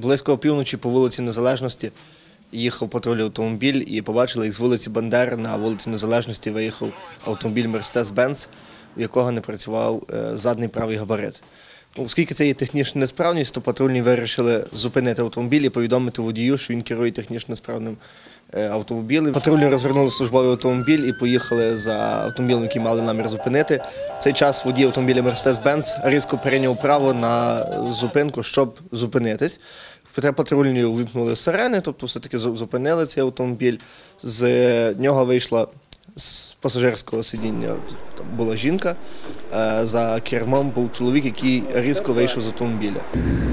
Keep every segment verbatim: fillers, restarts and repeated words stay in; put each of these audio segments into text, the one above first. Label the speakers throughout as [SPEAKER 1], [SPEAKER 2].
[SPEAKER 1] Близько опівночі по вулиці Незалежності їхав патрульний автомобіль і побачили, як з вулиці Бандери на вулиці Незалежності виїхав автомобіль Мерседес-Бенц, у якого не працював задній правий габарит. Оскільки це є технічна несправність, то патрульні вирішили зупинити автомобіль і повідомити водію, що він керує технічно несправним автомобілем. Патрульні розвернули службовий автомобіль і поїхали за автомобілем, який мали намір зупинити. В цей час водій автомобіля Мерседес-Бенц різко перейняв право на зупинку, щоб зупинитись. Патрульні увімкнули сирени, тобто все-таки зупинили цей автомобіль. З нього вийшла з пасажирського сидіння була жінка, за кермом був чоловік, який різко вийшов з автомобіля.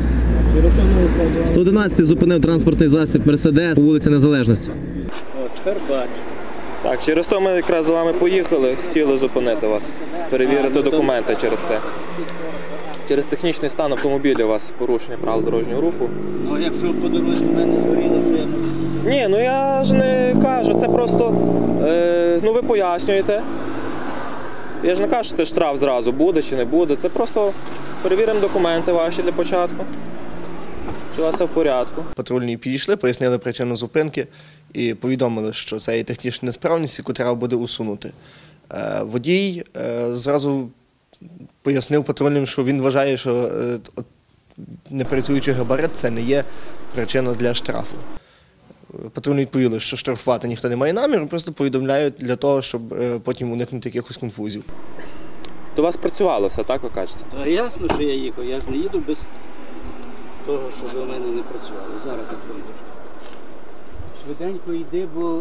[SPEAKER 2] сто одинадцятий зупинив транспортний засіб Мерседес по вулиці Незалежності.
[SPEAKER 3] О, тепер бачу.
[SPEAKER 4] Так, через то ми якраз з вами поїхали, хотіли зупинити вас, перевірити документи через це. Через технічний стан автомобіля у вас порушення правил дорожнього руху.
[SPEAKER 3] Ну, якщо по дорозі в мене горіло, що я можу?
[SPEAKER 4] Ні, ну я ж не кажу, це просто, е, ну ви пояснюєте. Я ж не кажу, що це штраф зразу, буде чи не буде. Це просто перевіримо документи ваші для початку. Чи у вас все в порядку.
[SPEAKER 1] Патрульні підійшли, пояснили причину зупинки і повідомили, що це є технічна несправність, яку треба буде усунути. Водій зразу пояснив патрульним, що він вважає, що непрацюючий габарит – це не є причина для штрафу. Патрульні відповіли, що штрафувати ніхто не має наміру, просто повідомляють для того, щоб потім уникнути якихось конфузів.
[SPEAKER 4] То у вас працювало все, так ви кажете?
[SPEAKER 3] Та ясно, що я їхав, я ж не їду без того, щоб у мене не працювало. Зараз я прийду. Швиденько йди, бо...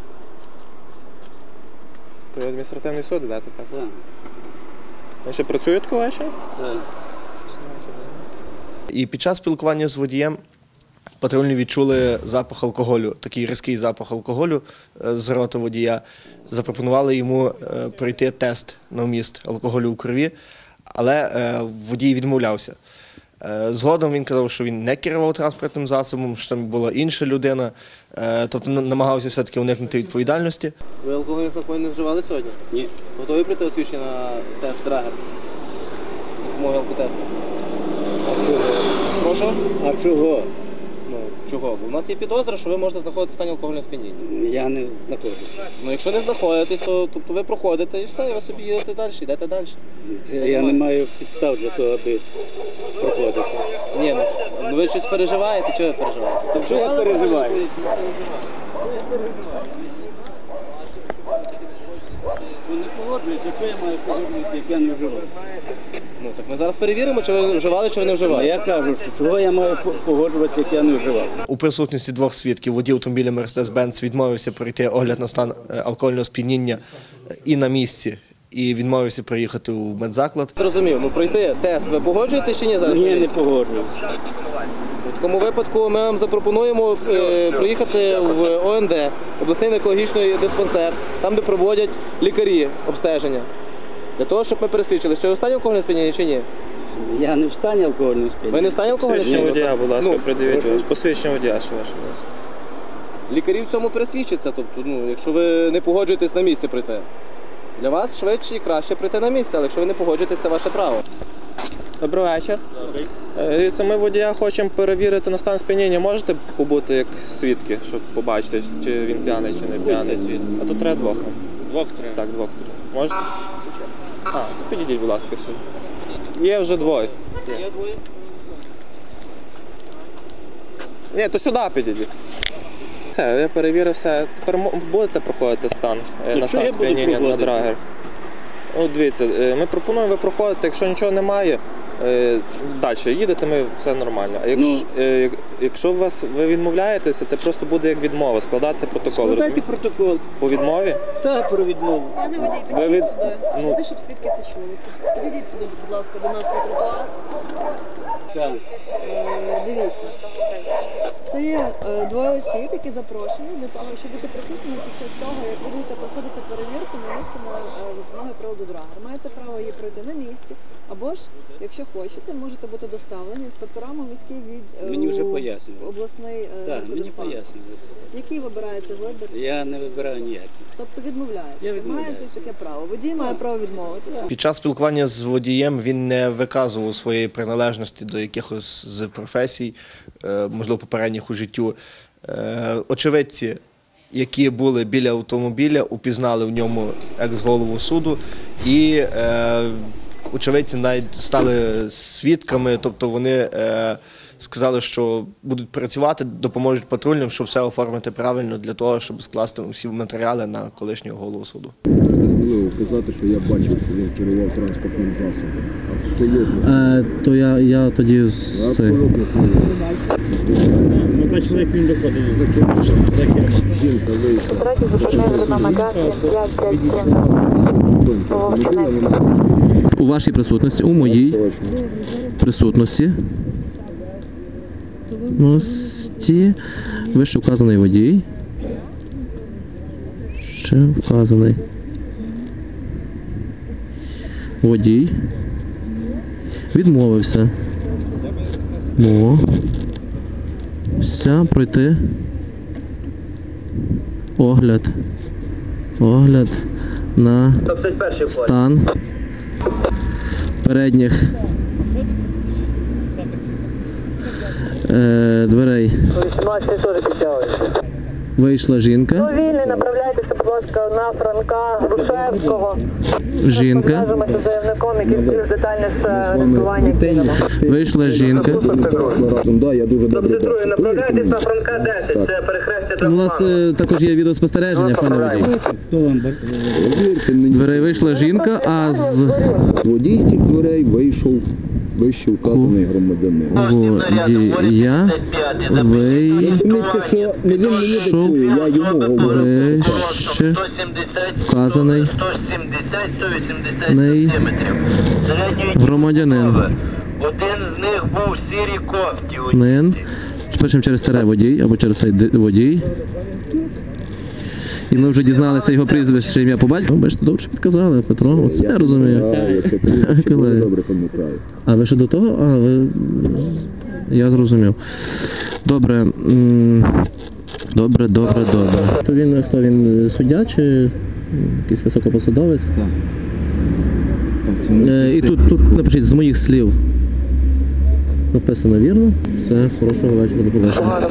[SPEAKER 4] То адміністративний суд йдете, так?
[SPEAKER 3] Так.
[SPEAKER 4] Ви ще працюєте ввечері?
[SPEAKER 3] Так.
[SPEAKER 1] І під час спілкування з водієм патрульні відчули запах алкоголю, такий різкий запах алкоголю з рота водія. Запропонували йому пройти тест на вміст алкоголю у крові, але водій відмовлявся. Згодом він казав, що він не керував транспортним засобом, що там була інша людина, тобто намагався все-таки уникнути відповідальності.
[SPEAKER 5] Ви алкогольних напоїв не вживали сьогодні?
[SPEAKER 3] Ні.
[SPEAKER 5] Готові прийти освідчення на тест Драгер? З допомогою алкотесту?
[SPEAKER 3] А чого?
[SPEAKER 5] Прошу?
[SPEAKER 3] А чого?
[SPEAKER 5] Ну, чого? Бо у нас є підозра, що ви можете знаходитися в стані алкогольного сп'яніння.
[SPEAKER 3] Я не знаходжуся.
[SPEAKER 5] Ну, якщо не знаходитесь, то тобто ви проходите і все, і ви собі їдете далі, йдете далі.
[SPEAKER 3] Я не маю підстав для того, аби проходити.
[SPEAKER 5] Ні, ну, ну ви щось переживаєте, чого ви переживаєте? Ти
[SPEAKER 3] Що я переживаю? Ну, не погоджуюся, що я маю погоджуватися, як я не вживаю.
[SPEAKER 5] Ну, так ми зараз перевіримо, чи ви вживали, чи ви не
[SPEAKER 3] А
[SPEAKER 5] вживали.
[SPEAKER 3] я кажу, що чого я маю погоджуватися, як я не вживав.
[SPEAKER 1] У присутності двох свідків водій автомобіля Мерседес-Бенц відмовився пройти огляд на стан алкогольного сп'яніння і на місці, і відмовився приїхати у медзаклад.
[SPEAKER 5] Зрозумів, ну пройти тест ви погоджуєтесь чи ні зараз?
[SPEAKER 3] Ні, не погоджуюся.
[SPEAKER 5] В такому випадку ми вам запропонуємо е, приїхати в О Ен Де, обласний наркологічний диспансер, там, де проводять лікарі обстеження. Для того, щоб ми пересвідчили, що ви в стані алкогольного сп'яніння чи ні?
[SPEAKER 3] Я не в стані алкогольного сп'яніння.
[SPEAKER 5] Ви не в стані алкогольного
[SPEAKER 4] Посвідчення
[SPEAKER 5] сп'яніння?
[SPEAKER 4] водія, будь ласка,
[SPEAKER 5] Ну,
[SPEAKER 4] придивіть.
[SPEAKER 5] прошу.
[SPEAKER 4] Посвідчення водія ще ваше, будь ласка.
[SPEAKER 5] Лікарі в цьому пересвідчаться, тобто, ну, якщо ви не погоджуєтесь на місці прийти. Для вас швидше і краще прийти на місце, але якщо ви не погоджуєтесь, це ваше право.
[SPEAKER 4] Добрий вечір. Дивіться, ми водія хочемо перевірити на стан сп'яніння. Можете побути як свідки, щоб побачити, чи він п'яний, чи не п'яний? А тут треба двох.
[SPEAKER 3] Двох треба.
[SPEAKER 4] Так, двох треба. Можете? А, то підійдіть, будь ласка, сюди. Є вже двоє.
[SPEAKER 5] Є двоє?
[SPEAKER 4] Ні, то сюди підійдіть. Все, я перевірив все. Тепер будете проходити стан е, на стан сп'яніння на Драгер? От дивіться, ми пропонуємо, ви проходите, якщо нічого немає, далі їдете, ми все нормально. А якщо, ну, якщо вас, ви відмовляєтеся, це просто буде як відмова, складатися протокол.
[SPEAKER 3] Складайте протокол.
[SPEAKER 4] По відмові?
[SPEAKER 3] Так, про відмову.
[SPEAKER 6] Пане водій,
[SPEAKER 4] Ви
[SPEAKER 6] підійдіть
[SPEAKER 4] від-
[SPEAKER 6] сюди.
[SPEAKER 4] ну-
[SPEAKER 6] Сюди, щоб свідки це чули. Підійдіть сюди, будь ласка, до нас на тротуар.
[SPEAKER 3] Так.
[SPEAKER 6] Е, Дивіться. Це є е, двоє осіб, які запрошені для того, щоб бути присутніми під час того, як ви будете проходити перевірку на місці на е, допомоги приладу Драгер. Маєте право її пройти на місці, або ж, якщо захочете, можете бути доставлені інспекторами міський від
[SPEAKER 3] Мені вже
[SPEAKER 6] у
[SPEAKER 3] пояснювали.
[SPEAKER 6] обласний е,
[SPEAKER 3] Так, мені
[SPEAKER 6] диспансер.
[SPEAKER 3] пояснюють.
[SPEAKER 6] Який вибираєте вибір?
[SPEAKER 3] Я не вибираю ніяких.
[SPEAKER 6] Тобто
[SPEAKER 3] Я
[SPEAKER 6] відмовляєтеся.
[SPEAKER 3] відмовляюся.
[SPEAKER 6] Маєте таке право. Водій має право відмовитися.
[SPEAKER 1] Під час спілкування з водієм він не виказував своєї приналежності до якихось з професій, е, можливо, попередніх у життю. Е, Очевидці, які були біля автомобіля, упізнали в ньому екс-голову суду, і е, очевидці навіть стали свідками, тобто вони е, сказали, що будуть працювати, допоможуть патрульним, щоб все оформити правильно для того, щоб скласти всі матеріали на колишнього голову суду.
[SPEAKER 7] Можете сміливо казати, що я бачив, що він керував транспортним засобом. Абсолютно.
[SPEAKER 2] Е, то я, я тоді з цей.
[SPEAKER 7] Абсолютно сміливо.
[SPEAKER 8] Ну, бачили, як він виходив за кермо. За кермо.
[SPEAKER 7] Жінка вийшла.
[SPEAKER 9] Третій запитання на Магаті п'ять п'ять сім.
[SPEAKER 2] У вашій присутності, у моїй
[SPEAKER 7] Точно.
[SPEAKER 2] присутності. Ності. Вище вказаний водій. Ще вказаний водій. Відмовився. Мовився пройти огляд. Огляд на стан передніх е, дверей. Вийшла жінка.
[SPEAKER 9] Вільний, направляйтеся, будь ласка, на Франка Грушевського.
[SPEAKER 2] Жінка.
[SPEAKER 9] Зв'яжемося з заявником, який більш детальне орієнтування кинемо.
[SPEAKER 2] Вийшла жінка.
[SPEAKER 7] Разом, да, я дуже добре бачу.
[SPEAKER 9] Направляйтесь на Франка десять, це перехрестя
[SPEAKER 2] У нас е, також є відеоспостереження, пане водій.
[SPEAKER 3] Хто вам
[SPEAKER 7] Повірте мені,
[SPEAKER 2] Дверей вийшла жінка, а з
[SPEAKER 7] з водійських дверей вийшов вище вказаний громадянин.
[SPEAKER 2] водія
[SPEAKER 7] Розумієте, що не він мені диктує, я йому говорю.
[SPEAKER 2] вище вказаний неї громадянин.
[SPEAKER 10] Один з них був в сірій кофті.
[SPEAKER 2] Нин. Пишемо через тере водій або через цей ди- водій. І ми вже дізналися його прізвище, ім'я по батьку. Ну, бачите, добре підказали, Петро. Оце я розумію.
[SPEAKER 7] Я, якщо ти
[SPEAKER 2] Колеги.
[SPEAKER 7] добре пам'ятаю.
[SPEAKER 2] А ви ще до того? А, ви... Я зрозумів. Добре. м, Добре, добре, добре. То він хто він? Суддя чи якийсь високопосадовець? Е, І тут, тут напишіть з моїх слів. Написано вірно. Все, хорошого вечора, до побачення.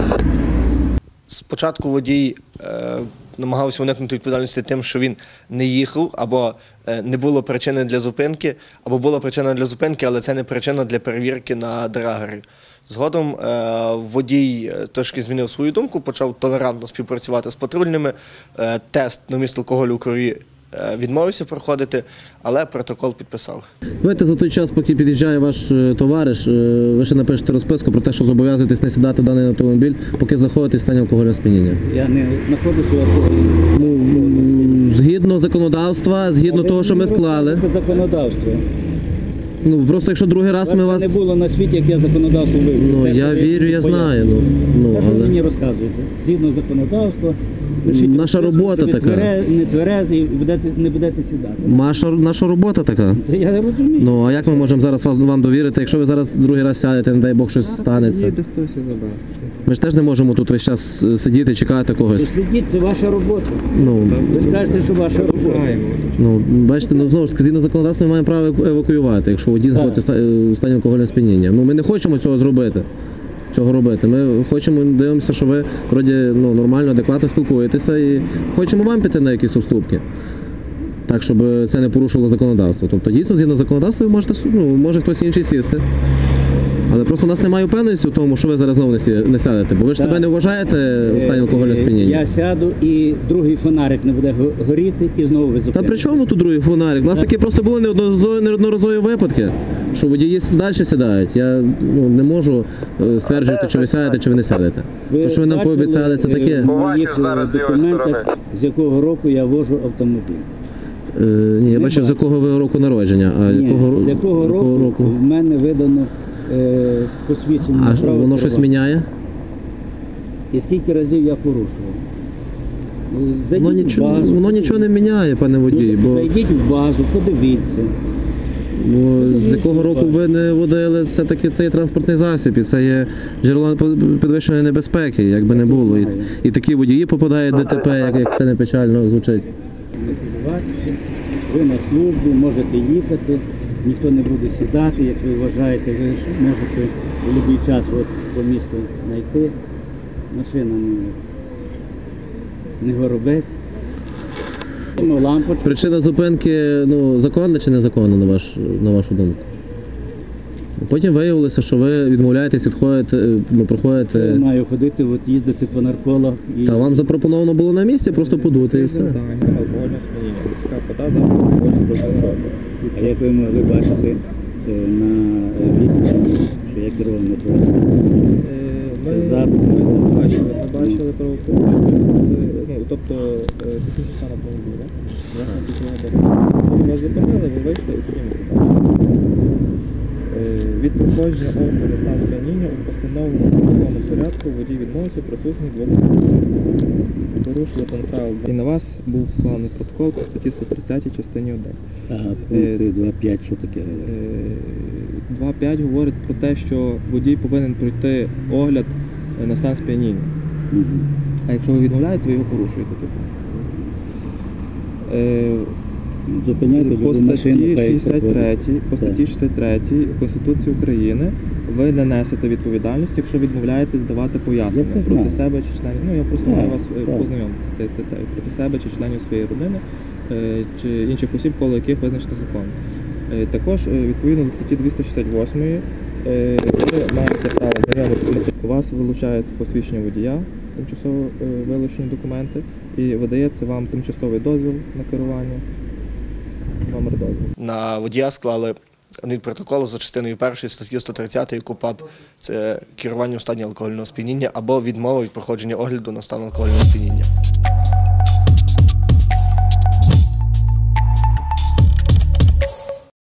[SPEAKER 1] Спочатку водій е, намагався уникнути відповідальності тим, що він не їхав, або е, не було причини для зупинки, або була причина для зупинки, але це не причина для перевірки на драгері. Згодом е, водій е, трошки змінив свою думку, почав толерантно співпрацювати з патрульними, е, тест на вміст алкоголю у крові е, відмовився проходити, але протокол підписав.
[SPEAKER 2] Давайте за той час, поки під'їжджає ваш е, товариш, е, ви ще напишете розписку про те, що зобов'язуєтесь не сідати в даний автомобіль, поки знаходитесь в стані алкогольного сп'яніння.
[SPEAKER 3] Я не знаходжуся в алкогольному.
[SPEAKER 2] Ну, згідно законодавства, згідно того, що ми склали.
[SPEAKER 3] Це законодавство.
[SPEAKER 2] Ну просто якщо другий раз ми
[SPEAKER 3] Вас
[SPEAKER 2] вас.
[SPEAKER 3] не було на світі, як я законодавство вивчив.
[SPEAKER 2] Ну
[SPEAKER 3] Те, що
[SPEAKER 2] я
[SPEAKER 3] ви
[SPEAKER 2] вірю, я
[SPEAKER 3] пояснюєте.
[SPEAKER 2] знаю. Ну, ну
[SPEAKER 3] Те, що ви
[SPEAKER 2] але
[SPEAKER 3] мені розказуєте. Згідно законодавства, пишіть
[SPEAKER 2] Наша
[SPEAKER 3] розписку,
[SPEAKER 2] робота
[SPEAKER 3] що ви
[SPEAKER 2] така.
[SPEAKER 3] твере- не тверезі і будете, не будете сідати.
[SPEAKER 2] наша, наша робота така.
[SPEAKER 3] Та я розумію.
[SPEAKER 2] Ну а як ми можемо зараз вас вам довірити, якщо ви зараз другий раз сядете, не дай Бог щось станеться. Ми ж теж не можемо тут весь час е, сидіти, чекати когось.
[SPEAKER 3] Сидіть, це ваша робота.
[SPEAKER 2] Ну,
[SPEAKER 3] Ви ж кажете, що ваша робота.
[SPEAKER 2] ну бачите, ну знову ж таки, згідно законодавства ми маємо право еваку- евакуювати, якщо водій знаходиться в ста- е, в стані алкогольного сп'яніння. Ну ми не хочемо цього зробити. Цього робити. Ми хочемо, дивимося, що ви вроді ну, нормально, адекватно спілкуєтеся і хочемо вам піти на якісь уступки. Так, щоб це не порушило законодавство. Тобто дійсно згідно законодавства ви можете, ну, може хтось інший сісти. Але просто у нас немає впевненості в тому, що ви зараз знову не, сі, не сядете, бо ви ж
[SPEAKER 3] Так.
[SPEAKER 2] себе не вважаєте у стані алкогольного сп'яніння.
[SPEAKER 3] Я сяду і другий фонарик не буде го- горіти і знову ви
[SPEAKER 2] Та
[SPEAKER 3] зупините.
[SPEAKER 2] при чому тут другий фонарик? У нас такі просто були неодноразові, неодноразові випадки, що водії далі сідають. Я ну, не можу е, стверджувати, чи ви сядете, чи ви не сядете.
[SPEAKER 3] Ви
[SPEAKER 2] Те, що ви нам
[SPEAKER 3] бачили,
[SPEAKER 2] пообіцяли, це
[SPEAKER 3] е,
[SPEAKER 2] таке.
[SPEAKER 3] в моїх е, документах, з якого року я вожу автомобіль.
[SPEAKER 2] Е, ні, я
[SPEAKER 3] Не
[SPEAKER 2] бачу, з
[SPEAKER 3] бачу.
[SPEAKER 2] якого ви року народження, а
[SPEAKER 3] Ні,
[SPEAKER 2] якого,
[SPEAKER 3] з якого року, в мене видано е, посвідчення
[SPEAKER 2] А
[SPEAKER 3] на
[SPEAKER 2] ж
[SPEAKER 3] право
[SPEAKER 2] воно щось
[SPEAKER 3] керування.
[SPEAKER 2] міняє?
[SPEAKER 3] І скільки разів я порушував. Зайдіть
[SPEAKER 2] Воно
[SPEAKER 3] в
[SPEAKER 2] нічого,
[SPEAKER 3] базу,
[SPEAKER 2] воно нічого не міняє, пане водій,
[SPEAKER 3] Ну,
[SPEAKER 2] бо
[SPEAKER 3] Зайдіть в базу, подивіться.
[SPEAKER 2] Бо з якого року ви не водили, все-таки це є транспортний засіб, і це є джерело підвищеної небезпеки, як би не було. І, і такі водії попадають в ДТП, як, як це не печально звучить.
[SPEAKER 3] Ви на службу, можете їхати, ніхто не буде сідати, як ви вважаєте, ви ж можете в будь-який час от, по місту знайти. Машина не, не горобець. Лампочку.
[SPEAKER 2] Причина зупинки ну, законна чи незаконна, на, ваш, на вашу думку? Потім виявилося, що ви відмовляєтесь, відходите, ну, проходите.
[SPEAKER 3] Я маю ходити, от, їздити по нарколах. І...
[SPEAKER 2] Та вам запропоновано було на місці, просто подути і все.
[SPEAKER 3] А як ви могли бачити на відстані, що я керував мотоциклом?
[SPEAKER 4] Ми бачили, ми бачили правопорушення, тобто технічний стан автомобіля. Вас зупинили, ви вийшли і тоді ми побачили. Від проходження огляду на стан сп'яніння у постановленому законному порядку водій відмовився присутній двох свідків. Порушили правил. І на вас був складений протокол по статті сто тридцять частині один.
[SPEAKER 3] Ага, пункти два п'ять, що таке?
[SPEAKER 4] два п'ять говорить про те, що водій повинен пройти огляд на стан сп'яніння.
[SPEAKER 3] Угу.
[SPEAKER 4] А якщо ви відмовляєтеся, ви його порушуєте. Це. Е,
[SPEAKER 3] Зупиняйте
[SPEAKER 4] по статті шістдесят три, по статті шістдесят три Конституції України ви не несете відповідальність, якщо відмовляєтесь давати пояснення проти себе чи членів. Ну я просто маю вас познайомитися з цією статтею проти себе чи членів своєї родини чи інших осіб, коло яких визначено закон. Також відповідно до статті двісті шістдесят восьмої ви маєте право знайомитися. У вас вилучається посвідчення водія, тимчасово вилучені документи, і видається вам тимчасовий дозвіл на керування. Номер дозволу.
[SPEAKER 1] На водія склали адмінпротокол за частиною першої статті сто тридцять КУпАП. Це керування у стані алкогольного сп'яніння або відмова від проходження огляду на стан алкогольного сп'яніння.